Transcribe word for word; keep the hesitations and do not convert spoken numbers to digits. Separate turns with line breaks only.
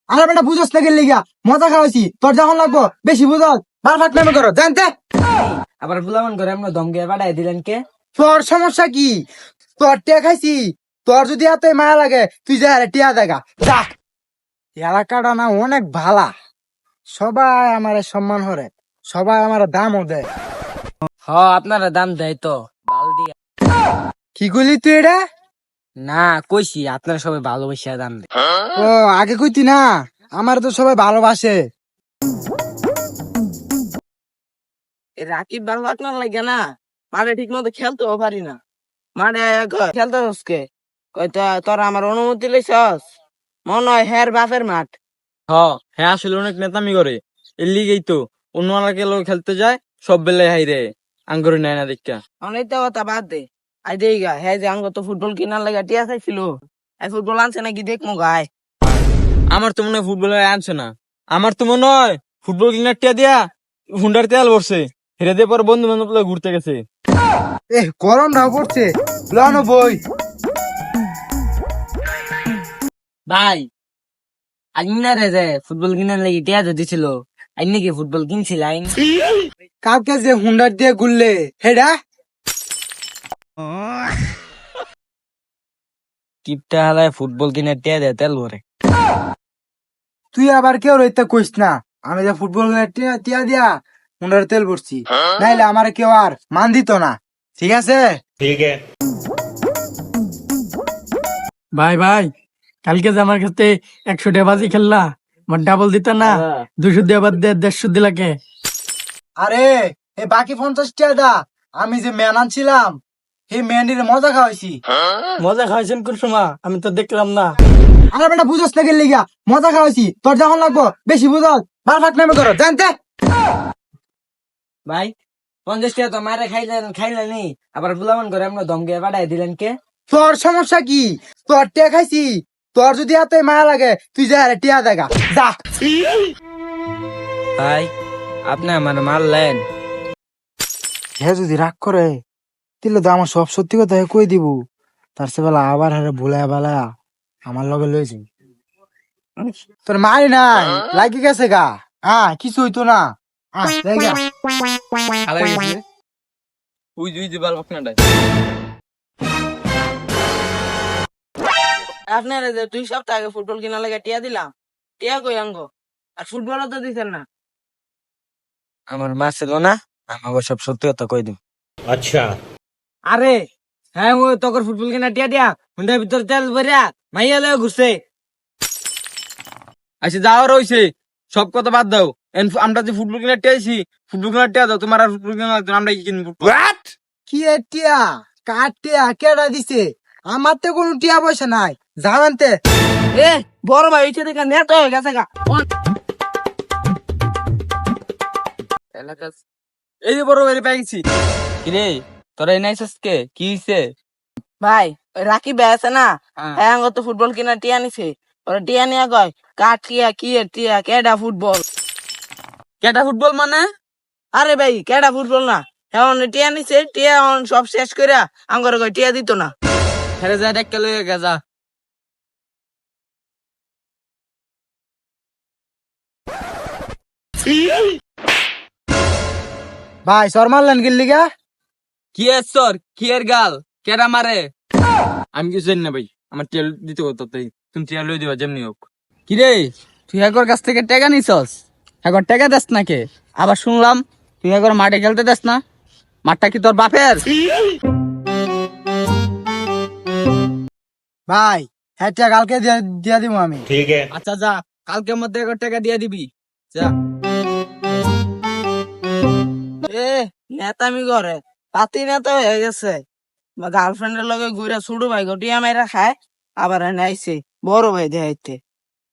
আরে বেটা বুঝোস না গেলি গা মজা খাওয়াইছি তোর যখন লাগবো বেশি বুঝোস বার ফাট নামে করো জানতে।
আবার বুলামান করে আমরা দমকে বাড়াই দিলেন কে?
তোর সমস্যা কি? তোর টিয়া খাইছি, তোর যদি এত মায়া লাগে তুই যা রে টিয়া দেখা যা। এলাকাটা না অনেক ভালা, সবাই আমার সম্মান করে, সবাই আমার দামও দেয়।
হ আপনারা দাম দেয় তো বাল দিয়া।
কি করলি তুই এটা?
না কইছি আপনারা সবাই ভালোবাসা দাম দেয়।
ও আগে কইতি না, আমার তো সবাই ভালোবাসে।
রাকিব ভালো আপনার লাগে না, মাঠে ঠিক মতো খেলতেও পারি না। মাঠে খেলতে হসকে কয়টা তোরা আমার অনুমতি লইছস? মনে হয় হের বাপের মাঠ।
হ হ্যাঁ আসলে অনেক নেতামি করে, এর লিগেই তো অন্য এলাকার লোক খেলতে যায় সব বেলায় হাই রে আঙ্গুরি নেয় না দেখা।
অনেকটা কথা বাদ দে, আই দেই গা হ্যাঁ যে আঙ্গ তো ফুটবল কিনার লাগা টিয়া চাইছিল, এই ফুটবল আনছে নাকি দেখমু গায়।
আমার তো মনে হয় ফুটবলার আনছে না, আমার তো মনে হয় ফুটবল কিনার টিয়া দিয়া হুন্ডার তেল ভরছে, হেরে দিয়ে পরে বন্ধু বান্ধব লগে ঘুরতে গেছে।
এ গরম না পড়ছে, লনো বই।
ভাই আইনা রে যে ফুটবল কিনার লাগি টিয়া তো দিছিল, আই নাকি ফুটবল কিনছিলাম।
কালকে যে হুন্ডার দিয়ে গুললে হেডা
কিপটা হালায় ফুটবল কিনার টিয়া দেয় তেল ভরে।
তুই আবার কেউ রইতে কইস না, আমি যে ফুটবল টিয়া টিয়া দিয়া হুন্ডার তেল ভরছি, নাইলে আমার কেউ আর মান দিত না। ঠিক আছে
ভাই ভাই কালকে যে আমার কাছে একশো টাকা বাজি খেললা, আমার ডাবল দিত না, দুশো দিয়ে আবার দে দেড়শো দিলাকে।
আরে এই বাকি পঞ্চাশ টাকা আমি যে ম্যান আনছিলাম এই ম্যান্ডির মজা খাওয়াইছি।
মজা খাওয়াইছেন কোন সময়? আমি তো দেখলাম না।
আরে বেটা বুঝোস না গেলি গা মজা খাওয়াইছি তোর যখন লাগবো বেশি বুঝোস বার ফাট নামে করো জানতে।
ভাই পঞ্চাশ টাকা তো মারে খাইলেন খাইলেনি, আবার বুলামান করে আমরা দমকে বাড়াই দিলেন কে?
তোর সমস্যা কি? তোর টিয়া খাইছি, তোর যদি এত মায়া লাগে তুই যা রে টিয়া দেখা যা।
ভাই আপনি আমার মারলেন।
হে যদি রাগ করে তাহলে তো আমার সব সত্যি কথা কই দিব, তার সে বেলা আবার হারে ভুলায় বেলা আমার লগে লইছি। তোর মারি নাই লাগি গেছে গা, হ্যাঁ কিছু হইতো না। আহ, জায়গা।
হালাই গেছে উই দুই যে বাল আপনারটাই।
আপনারা যে দুই সপ্তাহ আগে ফুটবল কিনা লাগে টিয়া দিলাম, টিয়া কই আঙ্গ? আর ফুটবলও তো দিতেন না। আমার মা ছিল না, আমাকে সব সত্যি কথা কই দিম। আরে হ্যাঁ ও তখন ফুটবল কিনা টিয়া দিয়া হুন্ডার ভিতর তেল ভরিয়া মাইয়া লয়ে ঘুরছে।
আচ্ছা যাওয়ার হইছে, সব কথা বাদ দাও। এন আমরা যে ফুটবল কিনার টিয়া আইছি, ফুটবল কিনার টিয়া দাও, তোমার আর ফুটবল কিনা লাগতো না, আমরা কি কিনবো?
কি এ টিয়া কার টিয়া কেডা দিছে? আমার তো কোনো টিয়া পয়সা নাই, জানানতে।
এ বড় ভাই হইছে দেখা নেট হয়ে গেছে গা।
এই যে বড় বাইরে পেয়ে গেছি। কিরে তোরা এই নাইছিস কে, কি হইছে?
ভাই ওই রাকিব ভাই আছে না,
হ্যাঁ।
হ্যাঁ আঙ্গ তো ফুটবল কিনা টিয়া নিছে। ওরা টিয়া নিয়ে কয় কার টিয়া কি এর টিয়া কেডা ফুটবল।
কেটা ফুটবল মানে?
আরে ভাই কেডা ফুটবল না, এখন টিয়া নিছে, টিয়া এখন সব শেষ করে আঙ্গরে কয় টিয়া দিত না।
হেরে যায় একটা লয়ে গেছা।
ভাই সর মারলেন গেলি গা?
কি এর সর কি এর গাল কেডা মারে? আমি কিছু জানি না ভাই, আমার টিয়া দিতে হতো তাই তুমি টিয়া লই দিবা যেমনি হোক।
কিরে তুই একর কাছ থেকে টাকা নিছস, একর টাকা দেস না কে? আবার শুনলাম তুই একর মাঠে খেলতে দেস না, মাঠটা কি তোর বাপের?
ভাই হ্যাঁ টিয়া কালকে দিয়া দিয়া দিব আমি।
আচ্ছা যা, কালকের মধ্যে একর টাকা দিয়ে দিবি যা।
এ নেতামি করে পাতি নেতা হয়ে গেছে, গার্লফ্রেন্ডের লগে ঘুরে ছোট ভাই টিয়া মাইরা খায়, আবার এনে আইছে বড় ভাই দেখাইতে।